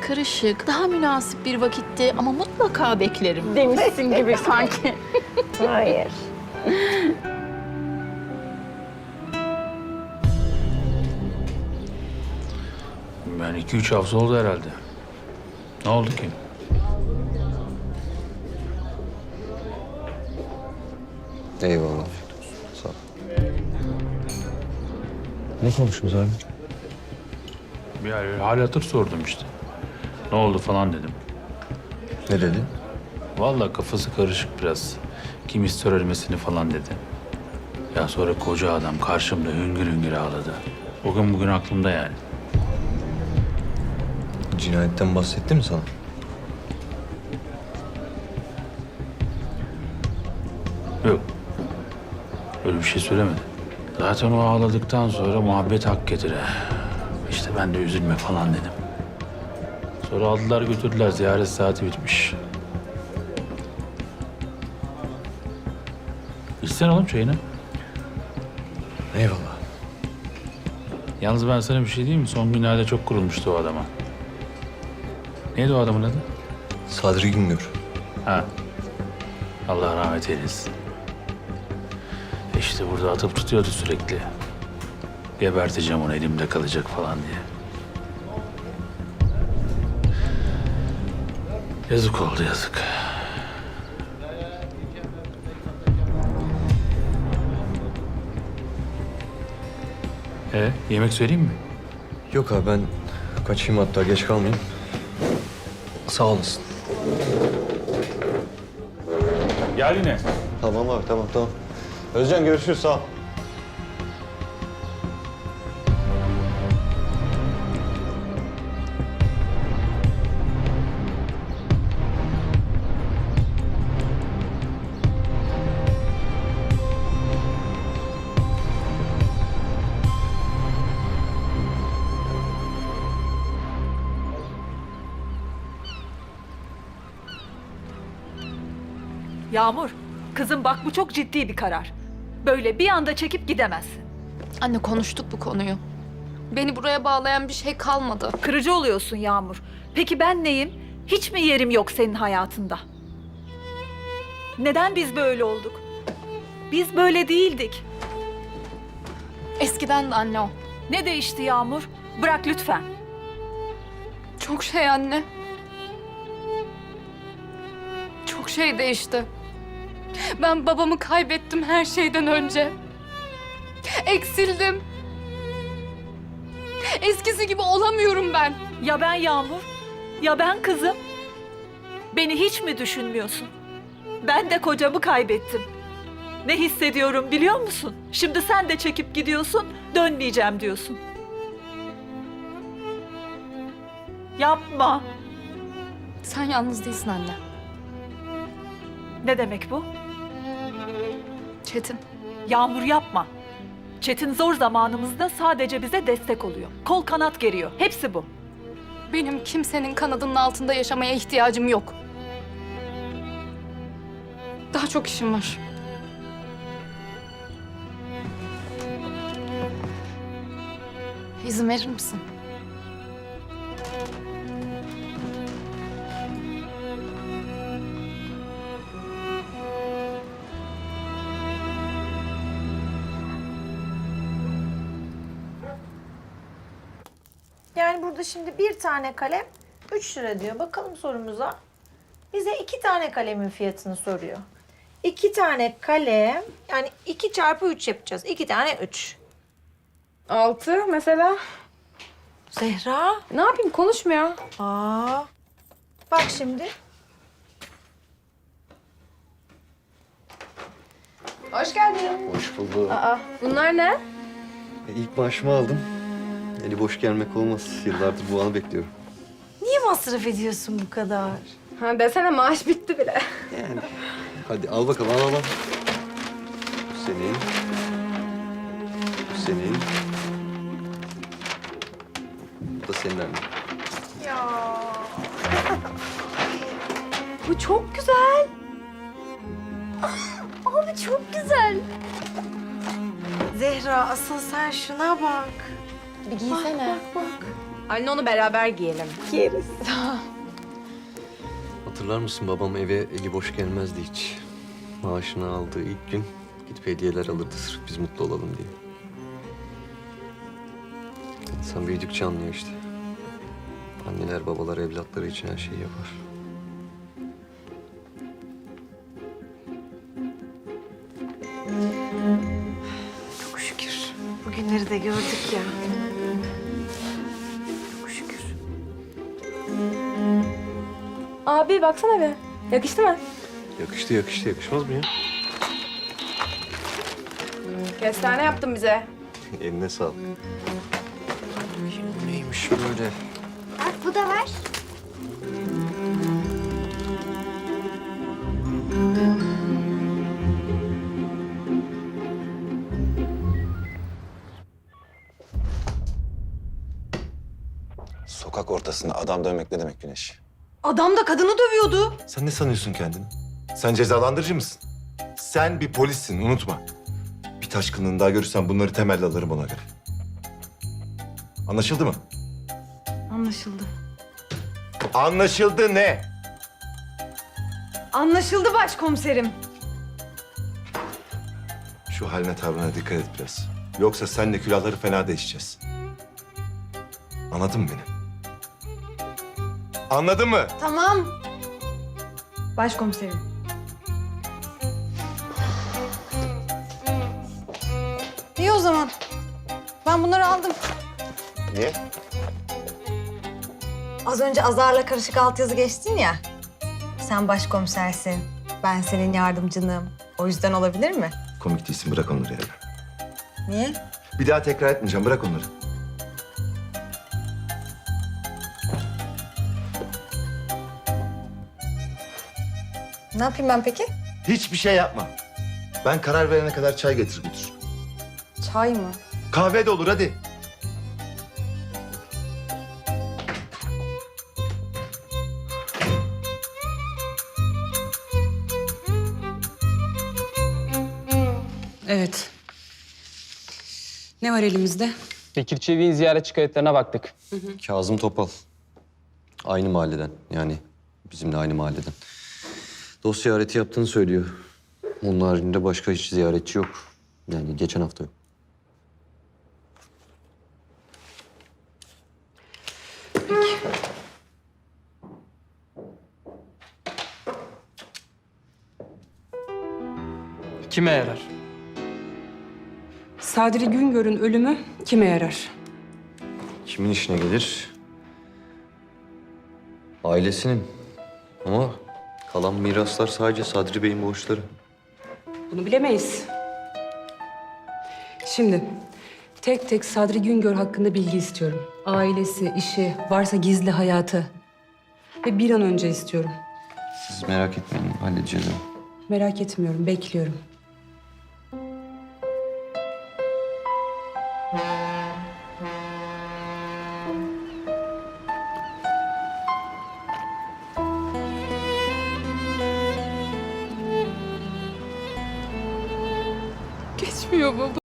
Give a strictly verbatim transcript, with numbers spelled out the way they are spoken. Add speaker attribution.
Speaker 1: karışık, daha münasip bir vakitte ama mutlaka beklerim demişsin gibi sanki.
Speaker 2: Hayır.
Speaker 3: Ben iki üç hafta oldu herhalde. Ne oldu ki?
Speaker 4: Eyvallah. Sağ ol. Ne konuştunuz abi?
Speaker 3: Bir hal, hal hatır sordum işte. Ne oldu falan dedim.
Speaker 4: Ne dedi?
Speaker 3: Vallahi kafası karışık biraz. Kim ister ölmesini falan dedi. Ya sonra koca adam karşımda hüngür hüngür ağladı. O gün bugün aklımda yani.
Speaker 4: Cinayetten bahsetti mi sana?
Speaker 3: Yok. Öyle bir şey söylemedi. Zaten o ağladıktan sonra muhabbet hak getire. İşte ben de üzülme falan dedim. Sonra aldılar götürdüler. Ziyaret saati bitmiş. İçsene oğlum çayını.
Speaker 4: Eyvallah.
Speaker 3: Yalnız ben sana bir şey diyeyim mi? Son günlerde çok kurulmuştu o adama. Neydi o adamın adı?
Speaker 4: Sadri Güngör.
Speaker 3: Ha. Allah rahmet eylesin. İşte burada atıp tutuyordu sürekli. Geberteceğim onu, elimde kalacak falan diye. Yazık oldu, yazık. E, yemek söyleyeyim mi?
Speaker 4: Yok abi ben kaçayım hatta geç kalmayayım. Sağ olasın.
Speaker 3: Gel yine.
Speaker 4: Tamam abi tamam tamam. Özcan görüşürüz sağ ol.
Speaker 5: Yağmur, kızım bak bu çok ciddi bir karar. Böyle bir anda çekip gidemezsin.
Speaker 1: Anne konuştuk bu konuyu. Beni buraya bağlayan bir şey kalmadı.
Speaker 5: Kırıcı oluyorsun Yağmur. Peki ben neyim? Hiç mi yerim yok senin hayatında? Neden biz böyle olduk? Biz böyle değildik.
Speaker 1: Eskiden de anne o.
Speaker 5: Ne değişti Yağmur? Bırak lütfen.
Speaker 1: Çok şey anne. Çok şey değişti. Ben babamı kaybettim her şeyden önce. Eksildim. Eskisi gibi olamıyorum ben.
Speaker 5: Ya ben Yağmur? Ya ben kızım? Beni hiç mi düşünmüyorsun? Ben de kocamı kaybettim. Ne hissediyorum biliyor musun? Şimdi sen de çekip gidiyorsun, dönmeyeceğim diyorsun. Yapma.
Speaker 1: Sen yalnız değilsin anne.
Speaker 5: Ne demek bu?
Speaker 1: Çetin.
Speaker 5: Yağmur yapma. Çetin zor zamanımızda sadece bize destek oluyor. Kol kanat geriyor. Hepsi bu.
Speaker 1: Benim kimsenin kanadının altında yaşamaya ihtiyacım yok. Daha çok işim var. İzin verir misin?
Speaker 2: Yani burada şimdi bir tane kalem üç lira diyor. Bakalım sorumuza. Bize iki tane kalemin fiyatını soruyor. İki tane kalem yani iki çarpı üç yapacağız. İki tane üç.
Speaker 6: Altı mesela.
Speaker 2: Zehra.
Speaker 6: Ne yapayım konuşmuyor.
Speaker 2: Aa. Bak şimdi.
Speaker 6: Hoş geldin.
Speaker 4: Hoş bulduk.
Speaker 6: Aa, bunlar ne?
Speaker 4: E, ilk maaşımı aldım. Eli boş gelmek olmaz. Yıllardır bu anı bekliyorum.
Speaker 2: Niye masraf ediyorsun bu kadar?
Speaker 6: Ha, desene maaş bitti bile.
Speaker 4: Yani. Hadi al bakalım al al al. Bu senin. Bu senin. Bu da senin anne.
Speaker 2: Bu çok güzel. Abi çok güzel. Zehra asıl sen şuna bak.
Speaker 1: Bir giysene.
Speaker 2: Bak bak bak.
Speaker 6: Anne onu beraber giyelim.
Speaker 2: Giyeriz.
Speaker 4: Hatırlar mısın babam eve eli boş gelmezdi hiç. Maaşını aldığı ilk gün gidip hediyeler alırdı sırf biz mutlu olalım diye. İnsan büyüdükçe anlıyor işte. Anneler babalar evlatları için her şeyi yapar.
Speaker 2: Çok şükür. Bugünleri de gördük ya. Çok şükür.
Speaker 6: Abi baksana be. Yakıştı mı?
Speaker 4: Yakıştı yakıştı yakışmaz mı ya?
Speaker 6: Kestane yaptın bize.
Speaker 4: Eline sağlık. Neymiş böyle?
Speaker 7: Bak bu da var.
Speaker 8: Sokak ortasında adam dövmek ne demek Güneş?
Speaker 2: Adam da kadını dövüyordu.
Speaker 8: Sen ne sanıyorsun kendini? Sen cezalandırıcı mısın? Sen bir polissin, unutma. Bir taşkınlığını daha görürsem bunları temelle alırım ona göre. Anlaşıldı mı?
Speaker 2: Anlaşıldı.
Speaker 8: Anlaşıldı ne?
Speaker 2: Anlaşıldı başkomiserim.
Speaker 8: Şu haline tavrına dikkat et biraz. Yoksa senle külahları fena değişeceğiz. Anladın mı beni? Anladın mı?
Speaker 2: Tamam. Başkomiserim. İyi o zaman. Ben bunları aldım.
Speaker 8: Niye?
Speaker 9: Az önce azarla karışık altyazı geçtin ya. Sen başkomisersin, ben senin yardımcınım. O yüzden olabilir mi?
Speaker 8: Komik değilsin, bırak onları yerine.
Speaker 9: Niye?
Speaker 8: Bir daha tekrar etmeyeceğim, bırak onları.
Speaker 9: Ne yapayım ben peki?
Speaker 8: Hiçbir şey yapma. Ben karar verene kadar çay getir götür.
Speaker 9: Çay mı?
Speaker 8: Kahve de olur, hadi.
Speaker 10: Evet. Ne var elimizde?
Speaker 11: Bekir Çevik'in ziyaretçi kayıtlarına baktık.
Speaker 4: Kazım Topal. Aynı mahalleden yani bizimle aynı mahalleden. Dost ziyareti yaptığını söylüyor. Onun haricinde başka hiç ziyaretçi yok. Yani geçen hafta yok.
Speaker 11: Kime yarar?
Speaker 10: Sadri Güngör'ün ölümü kime yarar?
Speaker 4: Kimin işine gelir? Ailesinin. Ama kalan miraslar sadece Sadri Bey'in borçları.
Speaker 10: Bunu bilemeyiz. Şimdi tek tek Sadri Güngör hakkında bilgi istiyorum. Ailesi, işi, varsa gizli hayatı. Ve bir an önce istiyorum.
Speaker 4: Siz merak etmeyin, halledeceğiz onu.
Speaker 10: Merak etmiyorum, bekliyorum. Geçmiyor baba.